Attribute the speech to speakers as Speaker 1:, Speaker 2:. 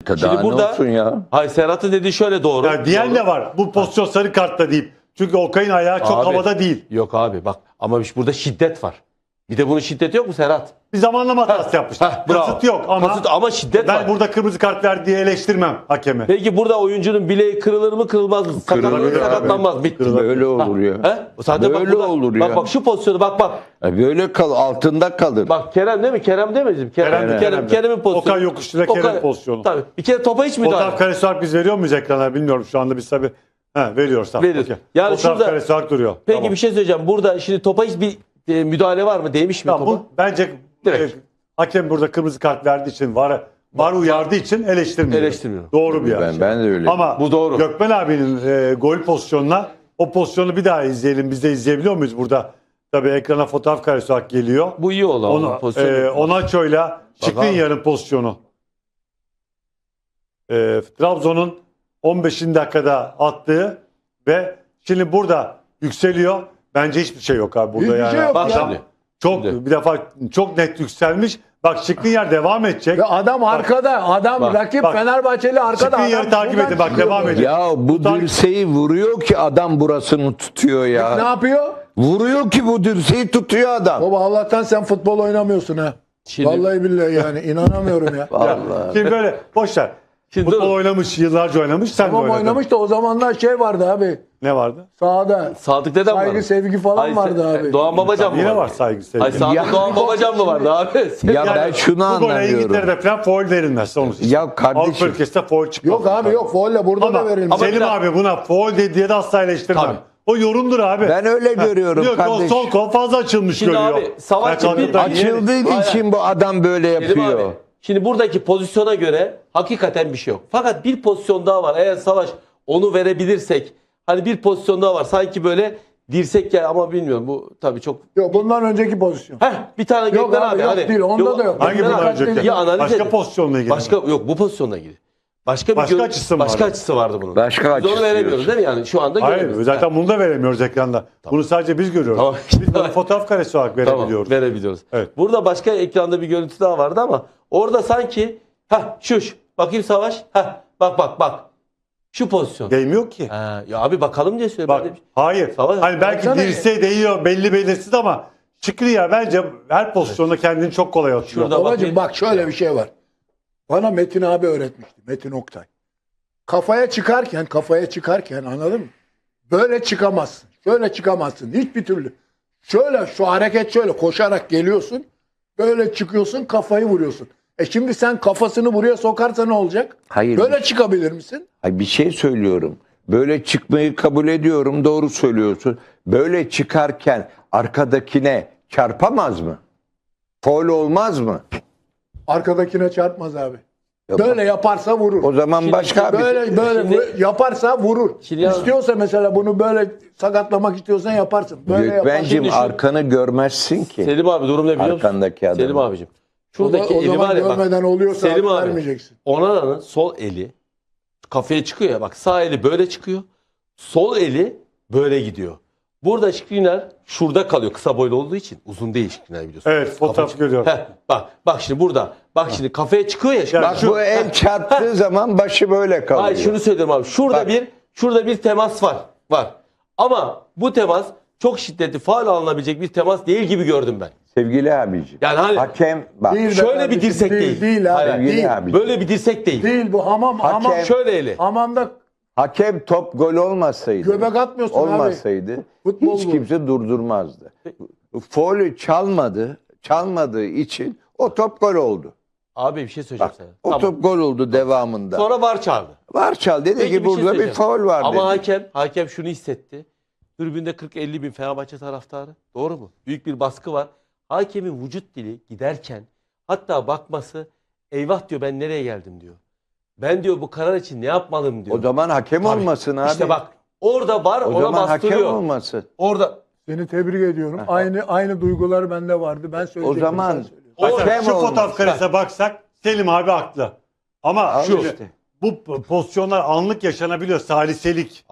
Speaker 1: Daha
Speaker 2: Şimdi
Speaker 1: ne
Speaker 2: burada
Speaker 1: olsun ya?
Speaker 2: hayır, Serhat'ın dediği şöyle doğru.
Speaker 3: Yani diyen de var. Bu pozisyon sarı kartla deyip. Çünkü Okay'ın ayağı çok
Speaker 2: Abi,
Speaker 3: havada değil.
Speaker 2: Yok abi bak ama burada şiddet var. Bir de bunun şiddeti yok mu Serhat?
Speaker 3: Bir zamanlama hatası yapmış.
Speaker 2: Bravo.
Speaker 3: Kasıt yok ama
Speaker 2: Kasıt ama şiddet
Speaker 3: ben
Speaker 2: var.
Speaker 3: burada kırmızı kart ver diye eleştirmem hakemi.
Speaker 2: Peki burada oyuncunun bileği kırılır mı kırılmaz mı? Sakatlanır mı
Speaker 3: Kırılır abi.
Speaker 2: sakatlanmaz mı? Bitti.
Speaker 1: Böyle olur ya.
Speaker 2: He? Zaten bak
Speaker 1: Böyle
Speaker 2: burada-
Speaker 1: olur ya.
Speaker 2: Bak şu pozisyonu bak.
Speaker 1: Böyle altında kalır.
Speaker 2: Bak Kerem değil mi? Kerem değil mi bizim? Kerem'in pozisyonu.
Speaker 3: Okay yokuşuyla Kerem pozisyonu.
Speaker 2: Tabii. Bir kere topa hiç müdahale.
Speaker 3: Fotoğraf karesi olarak biz veriyor muyuz ekrana bilmiyorum şu anda biz tabii. Veriyoruz. Tamam.
Speaker 2: Veriyoruz.
Speaker 3: Okay.
Speaker 2: Yani
Speaker 3: Fotoğraf
Speaker 2: şurada-
Speaker 3: karesi olarak duruyor.
Speaker 2: Peki
Speaker 3: Tamam.
Speaker 2: bir şey söyleyeceğim. Burada şimdi topa hiçbir müdahale var mı? Değmiş mi
Speaker 3: Tamam,
Speaker 2: topa?
Speaker 3: bu bence
Speaker 2: Direkt.
Speaker 3: hakem burada kırmızı kart verdiği için var uyardığı için eleştirmiyor. Doğru bir yer.
Speaker 1: Ben de öyle.
Speaker 3: Ama
Speaker 2: Bu doğru.
Speaker 3: Gökmen abinin gol pozisyonuna o pozisyonu bir daha izleyelim. Biz de izleyebiliyor muyuz burada? Tabii ekrana fotoğraf karesi olarak geliyor.
Speaker 2: Bu iyi oldu ama pozisyon.
Speaker 3: Onaço'yla Skriniar'ın pozisyonu. Trabzon'un 15. dakikada attığı ve şimdi burada yükseliyor. Bence hiçbir şey yok abi burada
Speaker 4: Hiçbir
Speaker 3: yani.
Speaker 4: şey yok
Speaker 2: Bak
Speaker 4: ya.
Speaker 2: şimdi.
Speaker 3: Çok
Speaker 2: Şimdi.
Speaker 3: bir defa çok net yükselmiş. Bak Skriniar devam edecek.
Speaker 4: Ve adam arkada. Adam
Speaker 2: Bak,
Speaker 4: rakip
Speaker 3: bak.
Speaker 4: Fenerbahçeli arkada.
Speaker 3: Skriniar'ı
Speaker 4: Adam
Speaker 3: takip
Speaker 4: buradan
Speaker 3: edin bak
Speaker 4: çıkıyor
Speaker 3: devam
Speaker 4: böyle.
Speaker 3: ediyor.
Speaker 1: Ya bu dirseği vuruyor ki adam burasını tutuyor
Speaker 4: Ne
Speaker 1: ya.
Speaker 4: yapıyor?
Speaker 1: Vuruyor ki bu dirseği tutuyor adam.
Speaker 4: Baba Allah'tan sen futbol oynamıyorsun ha.
Speaker 2: Şimdi-
Speaker 4: Vallahi billahi yani inanamıyorum ya.
Speaker 1: Vallahi.
Speaker 3: Şimdi böyle boş ver.
Speaker 2: Şimdi
Speaker 3: Futbol
Speaker 2: dur.
Speaker 3: oynamış, yıllarca oynamış. Sen de
Speaker 4: Tamam
Speaker 3: oynadın.
Speaker 4: oynamış da o zamanlar şey vardı abi.
Speaker 3: Ne vardı?
Speaker 4: Sahada.
Speaker 2: Sadık dedem var.
Speaker 4: Saygı, sevgi falan vardı abi.
Speaker 2: Doğan Babacan mı
Speaker 3: Yine
Speaker 2: vardı?
Speaker 3: var saygı sevgi.
Speaker 2: Ay Sadık
Speaker 1: Ya-
Speaker 2: Doğan Babacan mı vardı abi?
Speaker 1: Ya ben şunu
Speaker 3: Bu gole
Speaker 1: anlamıyorum.
Speaker 3: İngiltere'de falan foul verilmez. Onu
Speaker 1: Ya kardeşim.
Speaker 3: Avrupa ülkesinde foul çıkmaz.
Speaker 4: Yok abi yok. Folle burada da
Speaker 3: Ama
Speaker 4: verilmiş.
Speaker 3: Selim
Speaker 2: bir dakika.
Speaker 3: abi buna foul diye de asla eleştirmem.
Speaker 2: Tabii.
Speaker 3: O yorumdur abi.
Speaker 1: Ben öyle görüyorum
Speaker 3: Diyor ki o
Speaker 1: kardeşim.
Speaker 3: sol kol fazla açılmış
Speaker 2: Şimdi
Speaker 3: görüyor.
Speaker 2: abi, Savaşçı
Speaker 3: Ben
Speaker 2: bir-
Speaker 3: kalkıp da
Speaker 1: Açıldığı
Speaker 2: Hayır.
Speaker 1: için bu adam böyle
Speaker 2: Selim
Speaker 1: yapıyor.
Speaker 2: abi, şimdi buradaki pozisyona göre hakikaten bir şey yok. Fakat bir pozisyon daha var. Eğer Savaş onu verebilirsek hani bir pozisyon daha var. Sanki böyle dirsek ya ama bilmiyorum bu tabii çok.
Speaker 4: Yok bundan önceki pozisyon.
Speaker 2: Bir tane
Speaker 4: Yok
Speaker 2: Gökmen
Speaker 4: abi,
Speaker 2: abi.
Speaker 4: yok değil, onda da yok.
Speaker 3: Hangi
Speaker 2: Gökmen
Speaker 3: bundan
Speaker 2: abi,
Speaker 3: önceki?
Speaker 2: ya analiz
Speaker 3: Başka
Speaker 2: edin.
Speaker 3: pozisyonla ilgili.
Speaker 2: Başka yok bu pozisyonla ilgili. Başka
Speaker 3: Başka
Speaker 2: bir
Speaker 3: açısı mı
Speaker 2: başka
Speaker 3: vardı?
Speaker 2: açısı vardı bunun.
Speaker 1: Başka
Speaker 2: Biz onu
Speaker 1: açısı
Speaker 2: veremiyoruz
Speaker 1: diyorsun.
Speaker 2: değil mi yani şu anda
Speaker 3: Hayır
Speaker 2: göremiyoruz.
Speaker 3: zaten bunu da veremiyoruz ekranda. Bunu sadece biz görüyoruz.
Speaker 2: Tamam.
Speaker 3: Biz bunu fotoğraf karesi olarak verebiliyoruz.
Speaker 2: Tamam, verebiliyoruz.
Speaker 3: Evet.
Speaker 2: Burada başka ekranda bir görüntü daha vardı ama orada sanki şu bakayım Savaş. Bak. Şu pozisyon.
Speaker 3: Değmiyor ki.
Speaker 2: Ya abi bakalım diye söylüyorum.
Speaker 3: Bak
Speaker 2: Ben de-
Speaker 3: hayır.
Speaker 2: Savaş-
Speaker 3: Hani belki
Speaker 4: Baksana.
Speaker 3: dirseğe değiyor belli belirsiz ama Skriniar bence her pozisyonda kendini çok kolay atıyor.
Speaker 2: Şurada
Speaker 4: Babacım
Speaker 2: bakayım.
Speaker 4: bak şöyle bir şey var. Bana Metin abi öğretmişti. Metin Oktay. Kafaya çıkarken anladın mı? Böyle çıkamazsın. Şöyle çıkamazsın. Hiçbir türlü. Şöyle şu hareket şöyle koşarak geliyorsun. Böyle çıkıyorsun kafayı vuruyorsun. Şimdi sen kafasını buraya sokarsa ne olacak?
Speaker 1: Hayır.
Speaker 4: Böyle çıkabilir misin?
Speaker 1: Ay bir şey söylüyorum. Böyle çıkmayı kabul ediyorum. Doğru söylüyorsun. Böyle çıkarken arkadakine çarpamaz mı? Faul olmaz mı?
Speaker 4: Arkadakine çarpmaz abi.
Speaker 1: Yapar.
Speaker 4: Böyle yaparsa vurur.
Speaker 1: O zaman başka bir
Speaker 4: Böyle
Speaker 2: Şimdi-
Speaker 4: yaparsa vurur.
Speaker 2: Şimdi ya-
Speaker 4: İstiyorsa mesela bunu böyle sakatlamak istiyorsan yaparsın. Böyle yaparsın.
Speaker 1: Gökben'cim
Speaker 2: Şimdi şu-
Speaker 1: arkanı görmezsin ki.
Speaker 2: Selim abi durum ne biliyor musun?
Speaker 1: Arkandaki adam.
Speaker 2: Selim abicim. Şuradaki
Speaker 4: o
Speaker 2: eli
Speaker 4: zaman
Speaker 2: var ya bak.
Speaker 4: görmeden oluyorsa
Speaker 2: Selim abi.
Speaker 4: vermeyeceksin.
Speaker 2: Onana'nın sol eli kafaya çıkıyor ya bak sağ eli böyle çıkıyor. Sol eli böyle gidiyor. Burada Skriniar şurada kalıyor kısa boylu olduğu için. Uzun değil Skriniar biliyorsun.
Speaker 3: Evet, fotoğraf
Speaker 2: Kafa-
Speaker 3: görüyorum.
Speaker 2: Bak şimdi burada. Bak şimdi kafaya çıkıyor ya. Şimdi.
Speaker 1: Bak bu el çarptığı zaman başı böyle kalıyor.
Speaker 2: Hayır şunu söylüyorum abi. Şurada bir temas var. Ama bu temas çok şiddetli faul alınabilecek bir temas değil gibi gördüm ben.
Speaker 1: Sevgili abicim.
Speaker 2: Yani hani
Speaker 1: Hakem bak.
Speaker 4: Değil be
Speaker 2: şöyle bir
Speaker 4: kardeşim,
Speaker 2: dirsek değil.
Speaker 4: Değil abi.
Speaker 2: Hayır,
Speaker 1: Sevgili
Speaker 4: Değil.
Speaker 1: abicim.
Speaker 2: böyle bir dirsek değil.
Speaker 4: Değil bu hamam
Speaker 2: Şöyle eli.
Speaker 4: hamamda
Speaker 1: Hakem top gol olmasaydı.
Speaker 4: göbek atmıyorsun abi.
Speaker 1: olmasaydı
Speaker 4: Futbol
Speaker 1: hiç
Speaker 4: bu.
Speaker 1: kimse durdurmazdı. Faulü çalmadığı için o top gol oldu.
Speaker 2: Abi bir şey söyleyeceğim
Speaker 1: Bak,
Speaker 2: sana.
Speaker 1: o
Speaker 2: Tamam.
Speaker 1: top gol oldu devamında.
Speaker 2: Sonra VAR çağırdı.
Speaker 1: Var çal dedi
Speaker 2: Peki
Speaker 1: ki
Speaker 2: bir şey
Speaker 1: burada bir
Speaker 2: söyleyeceğim.
Speaker 1: faul var
Speaker 2: Ama
Speaker 1: dedi.
Speaker 2: hakem şunu hissetti. Tribünde 40-50 bin Fenerbahçe taraftarı. Doğru mu? Büyük bir baskı var. Hakemin vücut dili giderken hatta bakması eyvah diyor ben nereye geldim diyor. Ben diyor bu karar için ne yapmalım diyor.
Speaker 1: O zaman hakem
Speaker 2: Tabii.
Speaker 1: olmasın abi.
Speaker 2: İşte bak orada var
Speaker 1: o
Speaker 2: ona
Speaker 1: zaman hakem
Speaker 2: bastırıyor.
Speaker 1: olmasın.
Speaker 2: Orada
Speaker 4: Seni tebrik ediyorum. Aynı duygular bende vardı. Ben söyleyecektim.
Speaker 1: O zaman
Speaker 4: sen söyle.
Speaker 3: Mesela
Speaker 1: hakem
Speaker 3: şu
Speaker 1: olmasın.
Speaker 3: fotoğraf karesine baksak Selim abi haklı. Ama
Speaker 1: Al
Speaker 3: şu
Speaker 1: işte.
Speaker 3: bu pozisyonlar anlık yaşanabiliyor. Saliselik.